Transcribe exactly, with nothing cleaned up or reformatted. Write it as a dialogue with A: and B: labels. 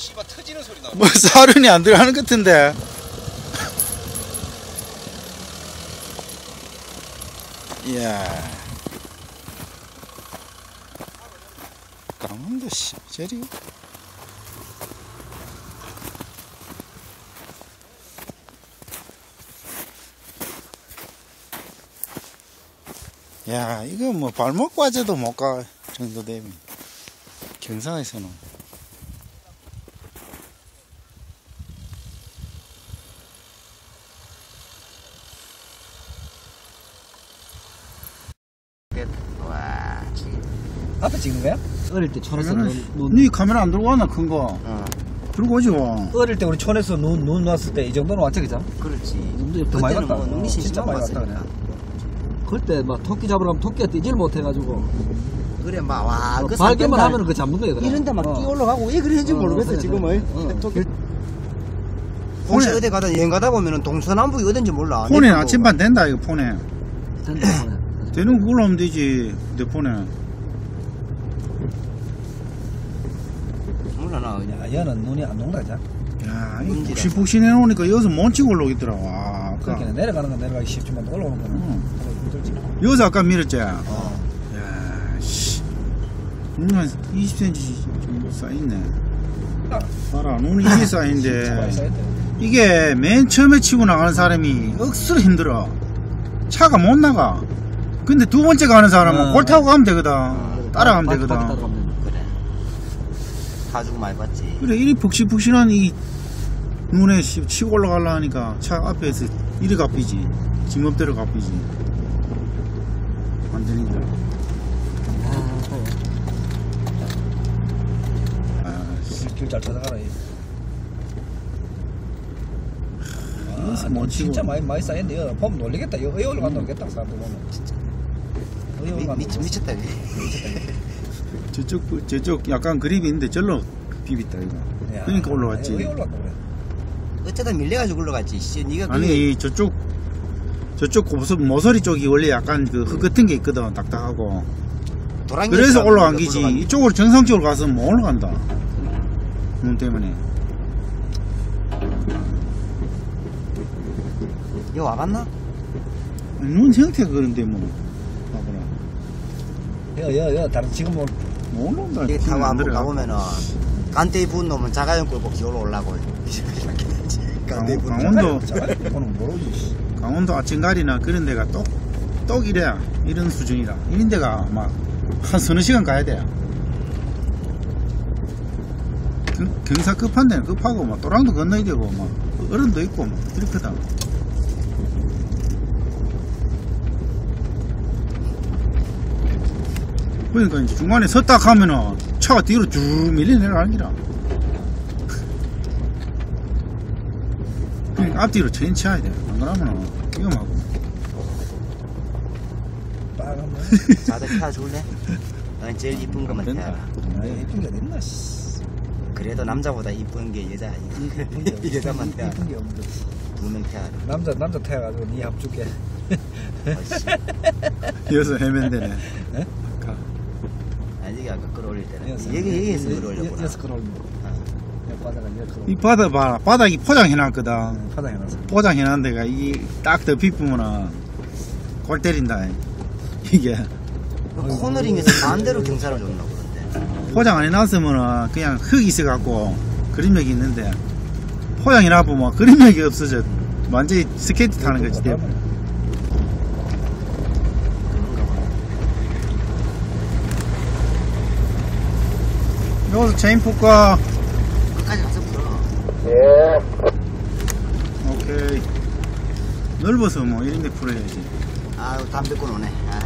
A: 씨발 터지는 소리 나.
B: 뭐 사륜이 안 들어가는 것 같은데. 이야. 강원도 씨, 저리. 야, 이거 뭐 발목 과제도 못 가 정도 되면 경상에서는.
C: 와,
D: 앞에 찍는 거야? 어릴 때 촌에서 눈, 눈,
B: 네 카메라 안 들고 왔나 큰 거?
C: 어,
B: 들고 오지 와.
D: 어릴 때 우리 촌에서 눈, 눈 왔을 때 이 정도는 왔지, 그죠?
C: 그렇지.
D: 눈도 더 많이
C: 그때는
D: 갔다.
C: 뭐 눈이
D: 어, 진짜
C: 심심하고
D: 많이 갔다,
C: 왔으니까.
D: 그래. 그때 막 토끼 잡으러 가면 토끼가 뛰질 못해가지고.
C: 그래, 막, 와,
D: 어,
C: 그
D: 발견만
C: 산변달
D: 하면은 그 잡는 거야, 그래.
C: 이런데 막
D: 어.
C: 뛰어 올라가고 왜 그랬는지
D: 어,
C: 모르겠어,
D: 그래,
C: 지금은.
D: 그래. 어.
C: 토끼. 혹시 어디 가다 여행 가다 보면은 동서남북이 어딘지 몰라.
B: 폰에
C: 내가
B: 나침반 된다 이거 폰에.
D: 된다, 그래.
B: 되는 거 올라오면 되지 내 폰에.
C: 몰라, 나 그냥.
D: 야, 얘는 눈이 안 녹는다, 자.
B: 야, 이
C: 문제다.
B: 푹신푹신해 놓으니까 여기서 못 치고 올라오겠더라. 와, 아까.
D: 그렇게 내려가는 건 내려가기 쉽지만 올라오는 거는
B: 응.
D: 힘들지.
B: 여기서 아까 밀었지.
C: 어.
B: 야, 씨. 눈 한 이십 센티미터 좀 쌓이네. 봐라, 눈이 이게
D: 진짜 많이
B: 쌓인데.
D: 쌓였대.
B: 이게 맨 처음에 치고 나가는 사람이 억수로 힘들어. 차가 못 나가. 근데 두 번째 가는 사람은
D: 어.
B: 골 타고 가면 되거든.
D: 어,
B: 따라가면
D: 바퀴,
B: 되거든.
D: 바퀴 따라가면 되는 거야.
C: 그래. 가지고 많이 봤지.
B: 그래, 이리 푹신푹신한 이 눈에 씨- 치고 올라가려 하니까 차 앞에서 이리 갚이지. 지멋대로 갚이지. 완전히. 아, 씨.
D: 길잘 찾아가라. 이.
B: 여기서
D: 아,
B: 못 치고.
D: 진짜 많이 많이 쌓였는데 이거 보면 놀리겠다. 이거 의욕을 간 놀겠다 사람들 보면 진짜. 의욕을
C: 미,
D: 간
C: 미, 미쳤다, 이게.
B: 저쪽, 저쪽 약간 그립이 있는데 절로 비비다, 이거. 그러니까 올라왔지.
D: 왜 올라왔다 그래?
C: 어쩌다 밀려가지고 올라갔지. 씨, 니가 그게
B: 아니, 저쪽, 저쪽 고수, 모서리 쪽이 원래 약간 그 흙 같은 게 있거든, 딱딱하고.
C: 도랑이
B: 그래서
C: 있다고
B: 올라간
C: 우리가
B: 기지.
C: 올라간
B: 이쪽으로 정상적으로 가서는 못 올라간다. 눈 때문에.
C: 이거 와봤나?
B: 아니, 눈 형태가 그런데 뭐. 봐보라.
D: 여, 여, 여, 다른 지금 뭐
B: 못 올라온다.
C: 여기
B: 힘이
C: 타고
B: 안
C: 한번
B: 들어가.
C: 가보면은 간대에 부은 놈은 자가용 끌고 기어로 올라고 이렇게 되지. 간대에 부은 놈.
B: 강원도,
D: 자가는 모르지.
B: 강원도 아침가리나 그런 데가 똑, 똑 이래. 이런 수준이라. 이런 데가 막 한 서너 시간 가야 돼. 경- 경사 급한 데는 급하고, 막 또랑도 건너야 되고, 막 어른도 있고, 막 이렇거든. 그러니까 이제 중간에 섰다 가면은 차가 뒤로 쭉 밀려 내려가는 기라. 그러니까 앞뒤로 천천히 쳐야 돼. 안 그러면은 위험하고.
D: 빨간 거.
C: 자들 펴줄래? 넌 제일 이쁜 것만
B: 된다.
C: 펴라.
D: 아, 이쁜 게 어딨나, 씨.
C: 그래도 남자보다 이쁜 게 여자.
D: 이쁜 게 없-
C: 여자만 펴.
D: 이쁜 게 없는데.
C: 두명 펴라.
D: 남자, 남자 태워가지고 니 합줄게.
C: 어씨.
B: 여기서 헤맨대네.
D: 예?
B: 가.
C: 아니 아까 끌어올릴 때는
D: 여기서,
C: 여기 여기에서
D: 여- 여-
C: 끌어올렸구나.
D: 여기서 끌어올린 거.
C: 어.
D: 여기 바다가 여기 끌어올린
B: 이 바닥 봐라. 바닥이 포장해놨거든.
D: 거. 바닥에 놨어.
B: 포장해놓은 데가 이딱 더 비쁘면은 골 때린다. 이게.
C: 코너링에서 반대로 경사를 줬나 그런데.
B: 포장 안 해놨으면은 그냥 흙이 있어갖고 그림력이 있는데 포장 해놔보면 그림력이 없어져. 완전히 스케이트 타는 거지. 돼.
C: 그런가 봐.
B: 여기서 체인 풀까?
C: 끝까지 가서 풀어.
B: 오케이. 넓어서 뭐 이런데 풀어야지.
C: 아유 담배 끊 오네. 아.